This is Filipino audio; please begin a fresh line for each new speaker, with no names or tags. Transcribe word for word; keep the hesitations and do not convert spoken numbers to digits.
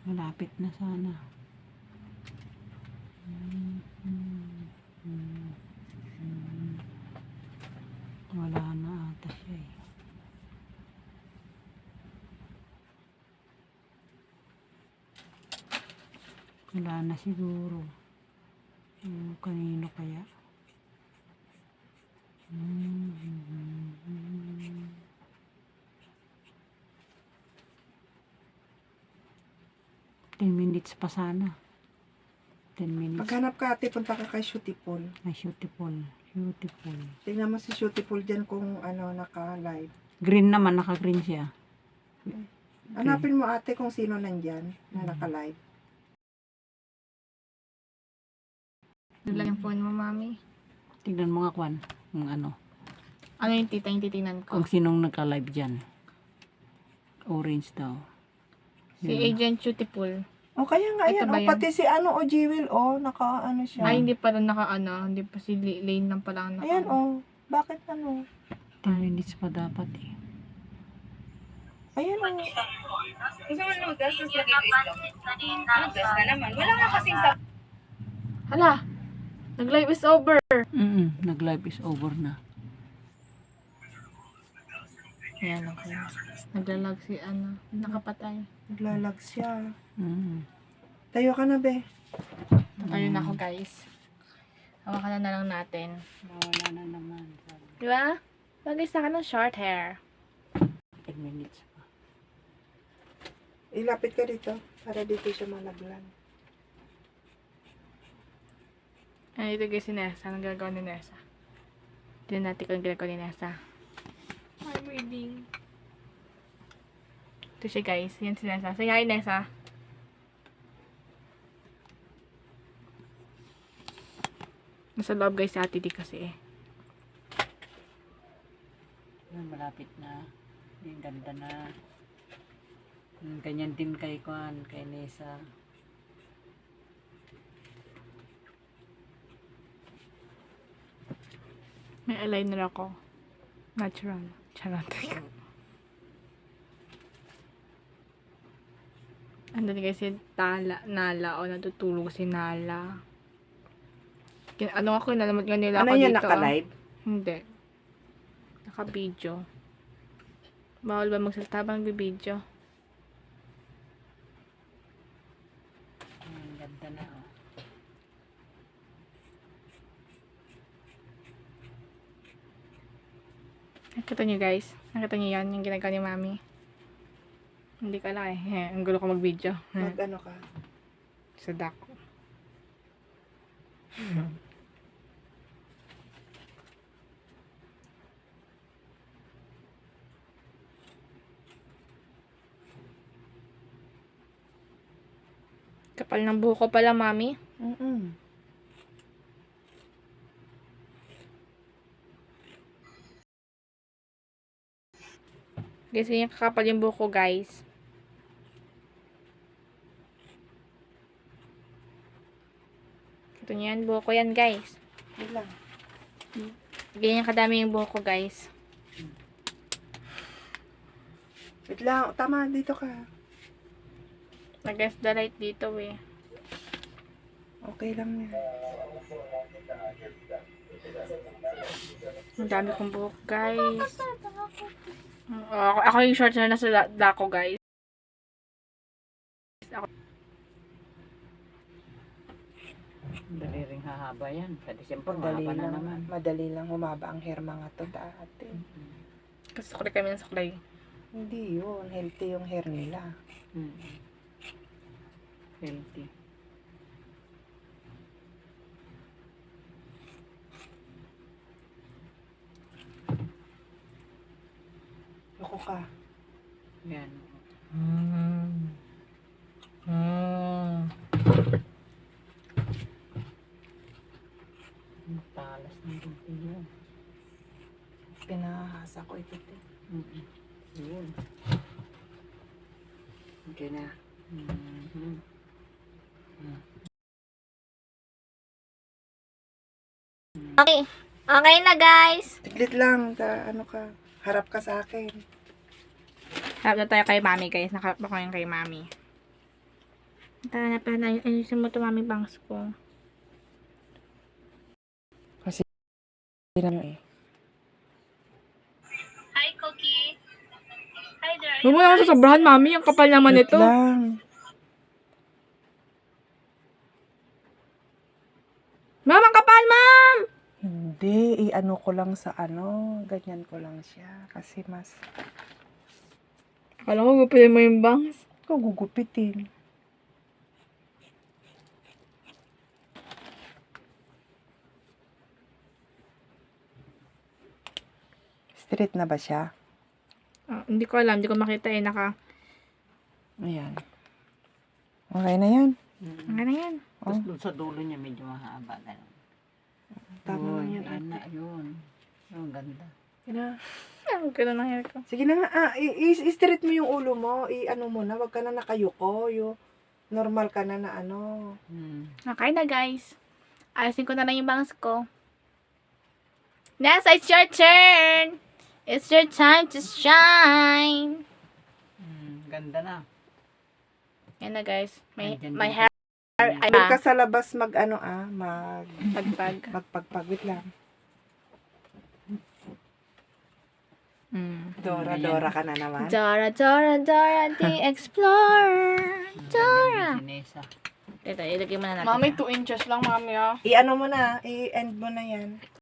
Malapit na sana. Hmm, hmm, hmm, hmm. Wala na ata siya eh. Wala na siguro. Hmm, kanino kaya? Hmm, hmm, hmm, hmm. ten minutes pa sana. ten minutes.
Maghanap ka ate, punta ka kay Shootypool.
Ay, beautiful. Beautiful.
Tingnan mo si Shootypool dyan kung ano, naka-live.
Green naman, naka-green siya.
Hanapin mo ate kung sino nandyan na naka-live.
Doon lang yung phone mo, mami.
Tignan mo nga, Kwan. Yung ano.
Ano yung tita yung titingnan ko?
Kung sinong naka-live dyan. Orange daw.
Si
Yun.
Agent Beautiful.
O kaya nga
Ito
yan,
ba
o
yan?
pati si ano, o Jewel, o, naka-ano siya.
Ay, hindi pa rin naka ano. Hindi pa si L- Lane lang pala naka
Ayan, o. Bakit ano?
ten minutes pa dapat eh.
Ayan, o.
Gusto mo noodles, tapos lagay ko itlog. Noodles na naman. Wala nga kasing sa...
Hala! Nag-live is over!
Mm Nag-live is over na.
Ayan, okay. Naglalag si ano. Nakapatay.
Naglalag siya.
Mm.
Tayo ka na, be.
Ayun ako, guys. Hawakan na na lang natin.
Wala na naman.
Di ba? Bagay sa akin ng short hair.
ten minutes pa.
Ilapit ka dito, para dito siya malaglag.
Ay, ito guys si Nessa. Anong gagawa ni Nessa? Tignan natin kung ginagawa ni Nessa. I'm reading. Ito siya guys. Yan si Nessa. Say hi, Nessa. Nasa loob guys si Ate D kasi eh.
Yun, malapit na. Yung ganda na. Mm, ganyan din kay Kwan, kay Nessa.
May eyeliner ako. Natural. Charot. Ano din guys si Tala, Nala. O natutulog si Nala. Kin- Ano ako, nalamot nga nila
Ano
ako
yan,
dito.
naka-live?
Hindi. Naka-video. Bawal ba magsalita ba nagbibideo?
Ang ganda na oh.
Nakita niyo guys? Nakita niyo yan? Yung ginagawa ni Mami? Hindi ka lang eh. Eh, Ang gulo ko mag-video. Eh,
Mag ano ka?
Sa dako. Kapal ng buhok ko pala, Mami.
Mm-mm.
Guys, yung kakapal yung buhok ko, guys. Ito niyo yan, buhok ko yan, guys.
Yun lang.
Ganyan kadami yung buhok ko, guys.
Wait lang, tama, dito ka.
Nag-guess the light dito, eh.
Okay lang yan.
Ang dami kong buhok, guys. Uh, ako, ako yung short na nasa da- dako, guys. Ako.
Dali ring hahaba yan. Sa December,
Madali
mahaba na
lang,
naman.
madali lang humaba ang hair mga to dati.
Kasi suklay kami ng suklay.
Hindi yun, healthy yung hair nila.
Mm. Healthy.
Loko ka.
Yan.
Mm. Mm.
Ang talas ng rupi yun.
Pinahasa ko ito. te.
Mm-mm. Yun.
Okay na.
Mhm.
Okay. Okay na, guys.
Tiglit lang, ta, ano ka, harap ka sa akin.
Harap na tayo kay Mami, guys. Nakarap ako yung kay Mami. Tara na pala na. Ayusin mo ito, mami, bangs ko.
Tingnan mo eh.
Hi, Cookie. Hi there.
Huwag mo naman sasobrahan, mami. Ang kapal naman
Wait
ito.
lang.
Ma'am, ang kapal, ma'am!
Hindi, i-ano ko lang sa ano, ganyan ko lang siya. Kasi mas,
Akala ko gupilin mo yung bangs.
ko gugupitin. Straight na ba siya?
Ah, hindi ko alam. Hindi ko makita eh. Naka...
Ayan. Okay na yan.
Mm.
Ano na yan?
Tapos doon sa dulo niya medyo mahaba. Ganun.
Tama lang
Uy,
yan,
yan na,
ate.
yun. Yung ganda.
Sige na.
Ang ganda ng hair ko.
Sige na nga, ah, i- i- i-straight mo yung ulo mo. I-ano mo na, wag ka na nakayuko. Yung normal ka na na ano.
Hmm.
Okay na, guys. Ayusin ko na lang yung bangs ko. Nessa, it's your turn! It's your time to shine!
Hmm. Ganda na.
Yan na, guys. My,
Nandyan
my
din.
hair ay
Huwag ka sa labas mag ano ah, mag
pagpag.
magpagpagwit lang.
Mm.
Dora,
Ayan.
Dora ka na naman.
Dora, Dora, Dora, the Explorer. Dora.
Si Nessa.
Ito, ilagay mo na natin.
Mami, two inches lang, mami, ah.
I-ano mo na, i-end mo na yan.